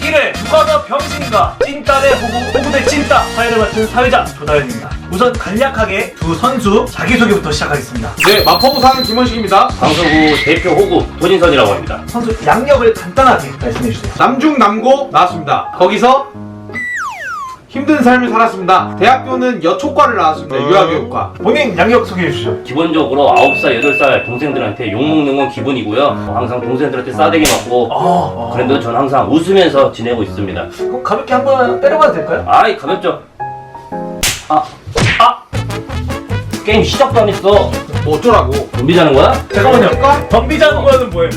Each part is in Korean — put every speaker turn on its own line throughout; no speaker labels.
1회 누가 더 병신인가 찐따 대 호구 대 찐따 사회를 맡은 사회자 조다현입니다. 우선 간략하게 두 선수 자기소개부터 시작하겠습니다.
네, 마포구사는 김원식입니다.
방송국 대표 호구 도진선이라고 합니다.
선수 양력을 간단하게 말씀해주세요.
남중 남고 나왔습니다. 거기서 힘든 삶을 살았습니다. 대학교는 여초과를 나왔습니다. 유아교육과.
본인 양력 소개해주시죠.
기본적으로 9살, 8살 동생들한테 욕먹는 건 기본이고요. 항상 동생들한테 싸대기 맞고 그런데도 전 항상 웃으면서 지내고 있습니다.
그럼 가볍게 한번 때려봐도 될까요?
아이 가볍죠? 게임 시작도 안 했어.
뭐 어쩌라고?
준비자는 거야?
잠깐만요. 덤비자는 거는 뭐예요?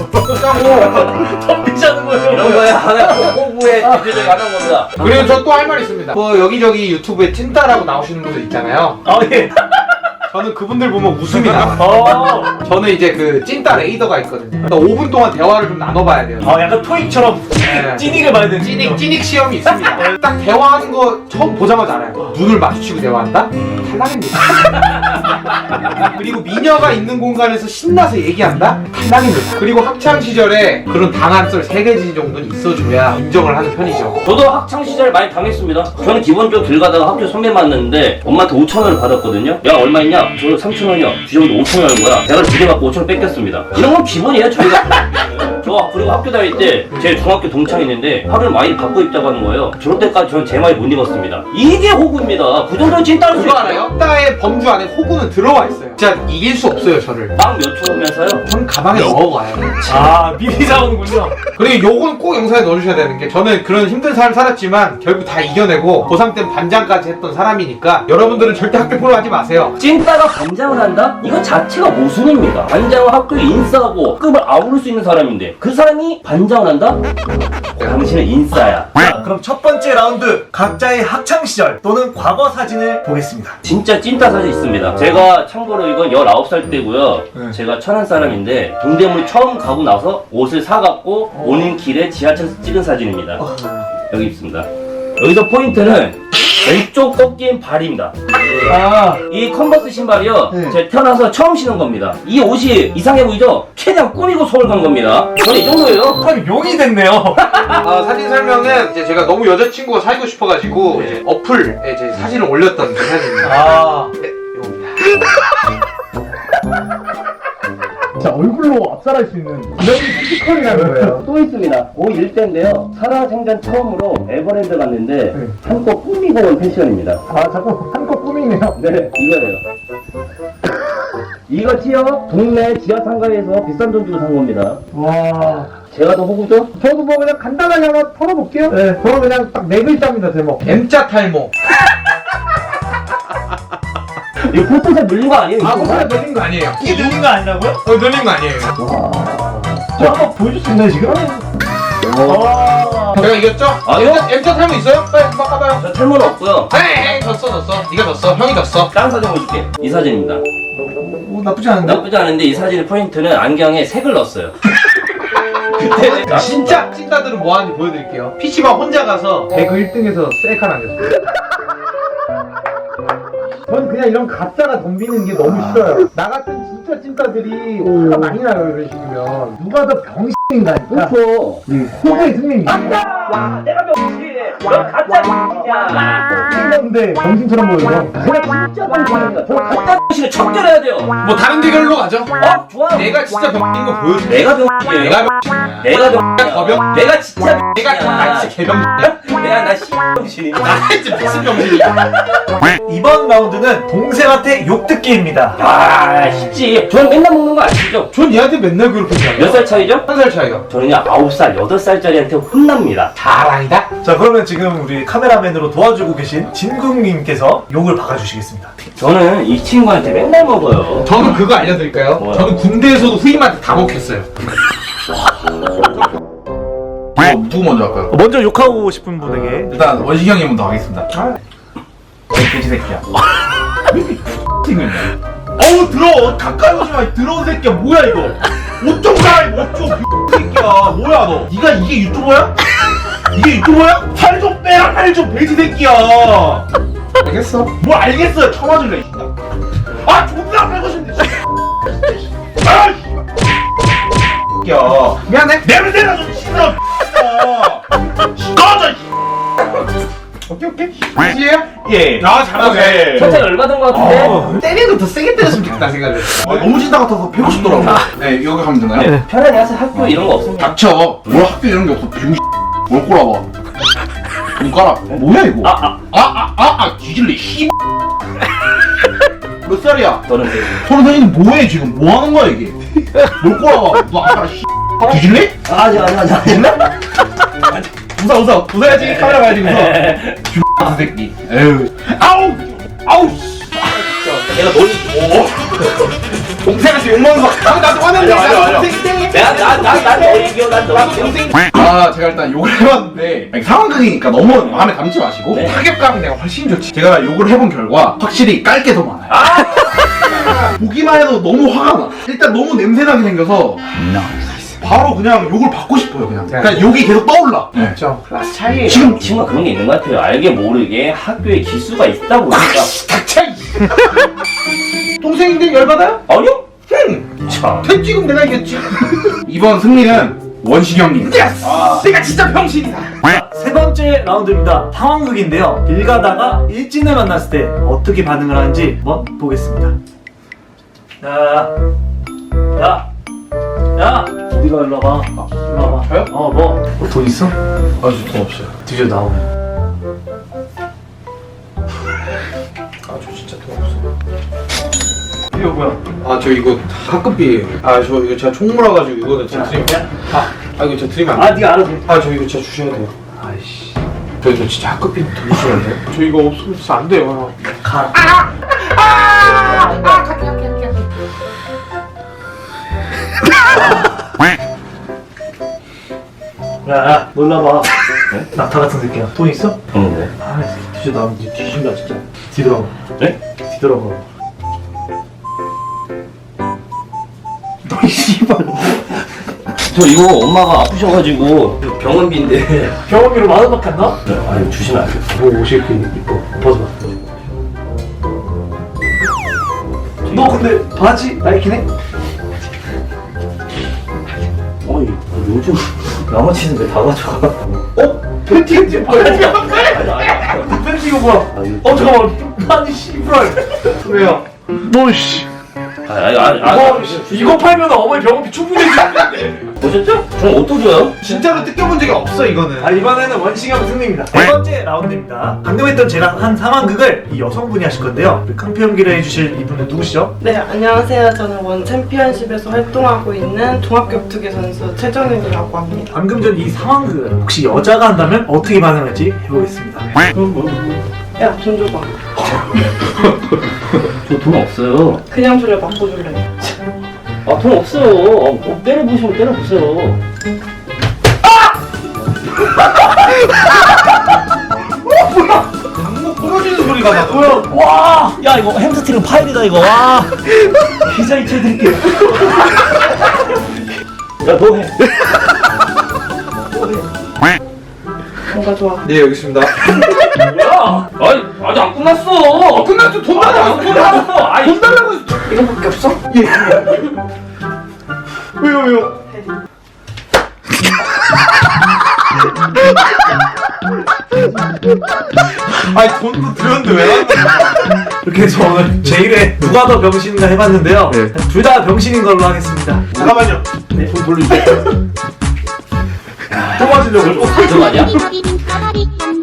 덤비자는 거예요?
이런 거야 하나 호구의 대표적인 하나인 겁니다.
그리고 저 또 할 말 있습니다. 뭐 여기저기 유튜브에 찐따라고 나오시는 분들 있잖아요.
예.
저는 그분들 보면 웃음이 나와요. 저는 이제 그 찐따 레이더가 있거든요. 그러니까 5분 동안 대화를 좀 나눠봐야 돼요.
약간 토익처럼
네.
찌닉을 봐야 되는
찌닉 시험이 있습니다. 딱 대화하는 거 처음 보자마자 알아요. 눈을 마주치고 대화한다? 탈락입니다. 그리고 미녀가 있는 공간에서 신나서 얘기한다? 탈락입니다. 그리고 학창 시절에 그런 당한 썰 3가지 정도는 있어줘야 인정을 하는 편이죠.
저도 학창 시절 많이 당했습니다. 저는 기본적으로 길 가다가 학교 선배 만났는데 엄마한테 5,000원을 받았거든요. 야 얼마 있냐? 저 3,000원이요. 주정도 5,000원인 거야. 내가 두 개 받고 5,000원 뺏겼습니다. 이런 건 기본이에요 저희가. 저 그리고 학교 다닐 때 제 중학교 동창이 있는데 하루에 많이 바꿔 입자고 하는 거예요. 저럴 때까지 저는 제 말이 못 입었습니다. 이게 호구입니다. 그 정도는 찐따를 수
그거
있어요.
알아요? 찐따의 범주 안에 호구는 들어와 있어요. 진짜 이길 수 없어요 저를.
빵 몇 초 오면서요.
전 가방에 넣어가요.
미리 잡은군요.
그리고 요건 꼭 영상에 넣어주셔야 되는 게 저는 그런 힘든 삶을 살았지만 결국 다 이겨내고 고3 때 반장까지 했던 사람이니까 여러분들은 절대 학교 포로 하지 마세요.
찐따가 반장을 한다? 이거 자체가 모순입니다. 반장은 학교에 인싸하고 급을 아우를 수 있는 사람인데 그 사람이 반장을 한다? 당신은 인싸야.
자, 그럼 첫 번째 라운드 각자의 학창 시절 또는 과거 사진을 보겠습니다.
진짜 찐따 사진 있습니다. 제가 참고로 이건 19살 때고요. 제가 천안 사람인데 동대문 처음 가고 나서 옷을 사갖고 오는 길에 지하철에서 찍은 사진입니다. 여기 있습니다. 여기서 포인트는 왼쪽 꺾인 발입니다. 이 컨버스 신발이요. 제가 태어나서 처음 신은 겁니다. 이 옷이 이상해 보이죠? 최대한 꾸미고 서울 간 겁니다. 저는 이 정도예요.
참 용이 됐네요.
사진 설명은 이제 제가 너무 여자친구가 사귀고 싶어가지고 이제 어플에 제 사진을 올렸던 그 사진입니다. 네, 이겁니다.
자, 얼굴로 압살할 수 있는 그런 피지컬이라는 거예요.
또 있습니다. 고1 때인데요. 살아생전 처음으로 에버랜드 갔는데 한껏 꾸미고 온 패션입니다.
자꾸 한껏 꾸미네요.
네, 이거예요. 이거 티어 동네 지하 상가에서 비싼 돈 주고 산 겁니다.
와.
제가 더 호구죠?
저도 뭐 그냥 간단하게 하나 털어볼게요. 네, 저는 그냥 딱 4글자입니다, 제목.
M자 탈모.
이거 포토샵 늘린 거 아니에요? 이거?
그거 늘린 거 아니에요.
이게 늘린 거 아니라고요?
늘린 거 아니에요.
저 한번 보여줄 수 있나요, 지금?
제가 이겼죠?
아니요.
M자 탈모 있어요? 빨리 한번 까봐요.
저 탈모는 없고요.
에이, 졌어. 네가 졌어. 형이 졌어.
다른 사진 보여줄게. 이 사진입니다.
나쁘지 않은데?
나쁘지 않은데 이 사진의 포인트는 안경에 색을 넣었어요. 그때
진짜 찐따들은 뭐 하는지 보여드릴게요. PC방 혼자 가서 배그 1등에서 셀카 남겼어요.
전 그냥 이런 가짜가 덤비는 게 너무 싫어요. 나 같은 진짜 찐따들이 화가 많이 나요, 이런 식이면. 누가 더 병신인가니까.
그렇죠.
호구의 승리입니다.
와, 내가 병신이네. 와, 가짜 병신이야.
근데 병신처럼 보여요.
제가 진짜 병신입니다. 저 가짜 병신을 척결해야 돼요.
뭐 다른 대결로 가죠.
좋아요.
내가 진짜 병인 거 보여줄게.
내가 병신이에요.
내가 병신이야.
내가 병신이야.
거병?
내가 진짜
내가 나 진짜 개병신이야.
내가 나 씨병신이야.
나 진짜 무슨 병신이야.
이번 라운드는 동생한테 욕듣기입니다.
아, 쉽지. 저는 맨날 먹는 거 아시죠?
전 얘한테 맨날 그렇게
몇 살 차이죠?
1살 차이요.
저는요 9살, 8살짜리한테 혼납니다.
자랑이다.
자, 그러면 지금 우리 카메라맨으로 도와주고 계신 진국님께서 욕을 박아주시겠습니다.
저는 이 친구한테 맨날 먹어요.
저는 그거 알려드릴까요?
뭐요?
저는 군대에서도 후임한테 다 먹혔어요.
누구 먼저 할까요?
먼저 욕하고 싶은 분에게.
일단 원식이 형이 먼저 하겠습니다. 돼지 새끼야. 어우 들어 가까이 오지 마. 들어온 새끼야. 뭐야 이거? 옷 좀 갈아입어. 옷 좀. 새끼야. 뭐야 너? 네가 이게 유튜버야? 이게 유튜버야? 살 좀 빼라. 살 좀. 돼지 새끼야.
알겠어.
뭘 알겠어요. 쳐맞을래. 아 존나 빼고 싶네. 아 새끼야.
미안해.
냄새가 좀 싫어.
오케이 끝이에요?
예.
아 잘하네.
살짝 열받은 것 같은데?
때리는 거 더 세게 때렸으면 좋겠다 생각을.
너무 진다 같아서 패고 싶더라고. 네, 여기 가면 되나요?
편하게 하세요. 학교 이런 거 없습니다.
닥쳐. 뭘 학교 이런 게 없어. 병 뭘 꼬라봐. 눈가락. 뭐야 이거? 뒤질래. 씨. 몇 살이야?
저는 되게.
선생님 뭐해 지금? 뭐 하는 거야 이게? 뭘 꼬라봐. 너 아까 씨. 뒤질래?
아니.
웃어야지. 카메라 봐야지 웃어.
이 새끼. 에휴. 아우. 씨.
내가 뭘.
동생한테 욕먹는 거. 나도 화냈네.
아니야.
동생인데.
난 얘기요. 난
동생.
제가 일단 욕을 해봤는데 아니, 상황극이니까 너무 마음에 담지 마시고
네.
타격감이 내가 훨씬 좋지. 제가 욕을 해본 결과 확실히 깔 게 더 많아요. 보기만 해도 너무 화가 나. 일단 너무 냄새나게 생겨서 바로 그냥 욕을 받고 싶어요. 그냥 욕이 계속 떠올라. 네.
저 클래스 차이에요.
지금
친구가 그런 게 있는 것 같아요. 알게 모르게 학교에 기수가 있다 보니까.
차이. 동생인데 열받아요?
아니요?
참. 지금 내가 이겼지.
이번 승리는 원식이 형님.
내가 진짜 병신이다.
자, 세 번째 라운드입니다. 상황극인데요. 길 가다가 일진을 만났을 때 어떻게 반응을 하는지 한번 보겠습니다. 야, 어디가 일로 와봐. 일로 와봐.
저요?
뭐 돈 있어?
아주 돈 없어요.
뒤져 나오네.
아저 진짜 돈 없어.
이거 뭐야?
아 저 이거 학급비예요. 아 저 이거 제가 총 몰아가지고 이거는 진짜 드리면 이거 제가 드리면 안 돼.
네가 알아서.
저 이거 진짜 주셔야 돼요.
아이씨.
저 이거 진짜 학급비 돌려주셔야 돼요. 저 이거 없으면 진짜 안 돼요.
가라. 야, 놀라봐. 낙타 같은 새끼야. 돈 있어?
네.
아, 뒤져 나오면 니 뒤진다 진짜. 뒤돌아봐.
네?
뒤돌아봐. 너이 씨발.
저 이거 엄마가 아프셔가지고 병원비인데.
병원비로 10,000원밖에 안 나와?
아니 주시면 안 돼요.
뭐 옷이 이렇게 이뻐. 벗어봐. 너 근데 바지 나이키네?
어이 요즘 양아치는 왜 다 가져가?
팬티 이제 뭐야?
아니.
팬티 이거 뭐야? 잠깐만. 아니 씨발. 왜요? 너 씨. 이거 팔면 어머니 병원비 충분히 해주는데.
보셨죠? 저 옷도 줘요?
진짜로 뜯겨본 적이 없어 이거는.
이번에는 원식형 승리입니다. 네 번째 라운드입니다. 방금 했던 제랑 한 상황극을 이 여성분이 하실 건데요. 깡패 연기를 해주실 이분은 누구시죠?
네, 안녕하세요. 저는 원 챔피언십에서 활동하고 있는 종합격투기 선수 최정윤이라고 합니다.
방금 전 이 상황극을 혹시 여자가 한다면 어떻게 반응할지 해보겠습니다.
야, 돈 줘봐.
저 돈 없어요.
그냥 줄래, 맞고 줄래?
아 돈 없어요. 뭐 때려보시면 때려보세요.
방목 부러지는 소리가 나.
뭐야? 와!
야 이거 햄스트링 파일이다 이거. 와.
기자 이체해드릴게요.
야 너 해.
뭔가 좋아.
네 여기 있습니다.
뭐야? 아니 아직 안 끝났어.
끝났죠. 돈 달라고.
안 끝났어. 아이
돈 달라고 했어.
이거밖에 없어?
왜요? 아니 돈도 드렸는데 왜 안 돼?
이렇게 해서 오늘 제1회 누가 더 병신인가 해봤는데요. 둘 다 병신인 걸로 하겠습니다.
잠깐만요.
돈 돌려주세요. 또 맞으려고.
가져가냐?
비비비비 까마리